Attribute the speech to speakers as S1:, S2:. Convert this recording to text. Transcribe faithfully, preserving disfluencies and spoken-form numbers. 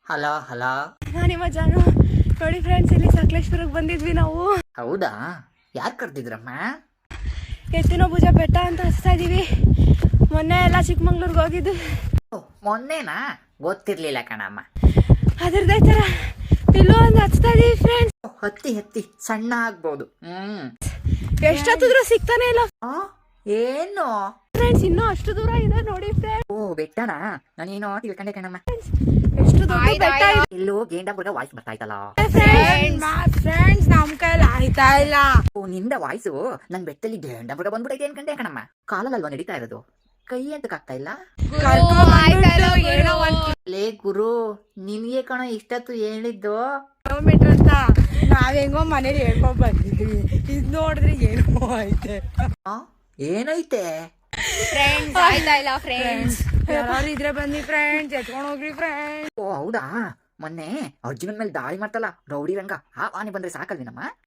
S1: Hello hello.
S2: ನಾನು ನಿಮ್ಮ ಜಾನು. ನೋಡಿ ಫ್ರೆಂಡ್ಸ್, ಇಲ್ಲಿ ಸಕಲೇಶ್ಪುರಕ್ಕೆ ಬಂದಿದ್ವಿ ನಾವು.
S1: ಹೌದಾ? ಯಾರು ಕರ್ದಿದ್ರಮ್ಮ?
S2: ಎತ್ತಿನ ಭುಜ ಬೆಟ್ಟ ಅಂತ ಹಚ್ತಾ ಇದೀವಿ. ಮೊನ್ನೆ ಎಲ್ಲ ಚಿಕ್ಕಮಂಗ್ಳೂರ್ಗೆ ಹೋಗಿದ್ದು.
S1: ಓ, ಮೊನ್ನೆನಾ? ಗೊತ್ತಿರ್ಲಿಲ್ಲ ಕಣಮ್ಮ.
S2: ಅದ್ರದ್ದೇ ತರ ಇಲ್ಲೂ ಒಂದು ಹಚ್ತಾ ಇದೀವಿ ಫ್ರೆಂಡ್ಸ್.
S1: ಓ, ಹತ್ತಿ ಹತ್ತಿ ಸಣ್ಣ ಆಗ್ಬೋದು. ಹ್ಮ್
S2: ಎಷ್ಟೊತ್ತಿದ್ರು ಸಿಗ್ತಾನೆ ಇಲ್ಲ
S1: ಆ, ಏನು?
S2: ಫ್ರೆಂಡ್ಸ್. ಇನ್ನೂ ಅಷ್ಟು ದೂರ ಇದೆ ನೋಡಿ ಫ್ರೆಂಡ್ಸ್.
S1: ಓ, ಬೆಟ್ಟನಾ? ನಾನೇನೋ ತಿಳ್ಕೊಂಡೆ ಕಣಮ್ಮ.
S2: ಎಷ್ಟು ದೊಡ್ಡ ಬೆಟ್ಟ ಇದೆ.
S1: ಎಲ್ಲೋ ಗೇಂಡಾಪುರದ ವಾಯ್ಸ್ ಬರ್ತಾ ಇತ್ತಲ್ಲ.
S2: ಫ್ರೆಂಡ್ಸ್, ನಮ್ ಕೈಲಿ ಆಯ್ತಾ ಇಲ್ಲ.
S1: ಓ, ನಿಂದ ವಾಯ್ಸು ನನ್ ಬೆಟ್ಟಲ್ಲಿ ಗೇಂಡಾಪುರ ಬಂದ್ಬಿಟ್ಟೈತೆ ಅನ್ಕಂಡೆ ಕಣಮ್ಮ. ಕಾಲಲ್ವಾ ನಡೀತಾ ಇರೋದು? ಕೈ ಅಂತಕ್ಕಾಗ್ತಾ ಇಲ್ಲ. ಲೇ ಗುರು, ನಿನ್ಗೆ ಕಣ ಇಷ್ಟತ್ತು ಹೇಳಿದ್ದು.
S2: ಕಿಲೋಮೀಟರ್ ಅಂತ ನಾವ್ ಹೆಂಗೋ ಮನೇಲಿ ಹೇಳ್ಕೊಂಡ್ ಬಂದಿದ್ವಿ. ಇದ್ ನೋಡಿದ್ರೆ ಏನೋ ಐತೆ.
S1: ಆ, ಏನೈತೆ?
S3: ಫ್ರೆಂಡ್ಸ್ ಆಯ್ತಾ ಇಲ್ಲ ಫ್ರೆಂಡ್ಸ್.
S2: ಯಾರು ಇದ್ರೆ ಬನ್ನಿ ಫ್ರೆಂಡ್ಸ್, ಎತ್ಕೊಂಡ್ ಹೋಗ್ರಿ ಫ್ರೆಂಡ್ಸ್.
S1: ಓ ಹೌದಾ? ಮೊನ್ನೆ ಅರ್ಜುನನ್ ಮೇಲೆ ದಾಳಿ ಮಾಡ್ತಲ್ಲ ರೌಡಿ ರಂಗ, ಆ ಆನೆ ಬಂದ್ರೆ ಸಾಕಲ್ವೇನಮ್ಮ?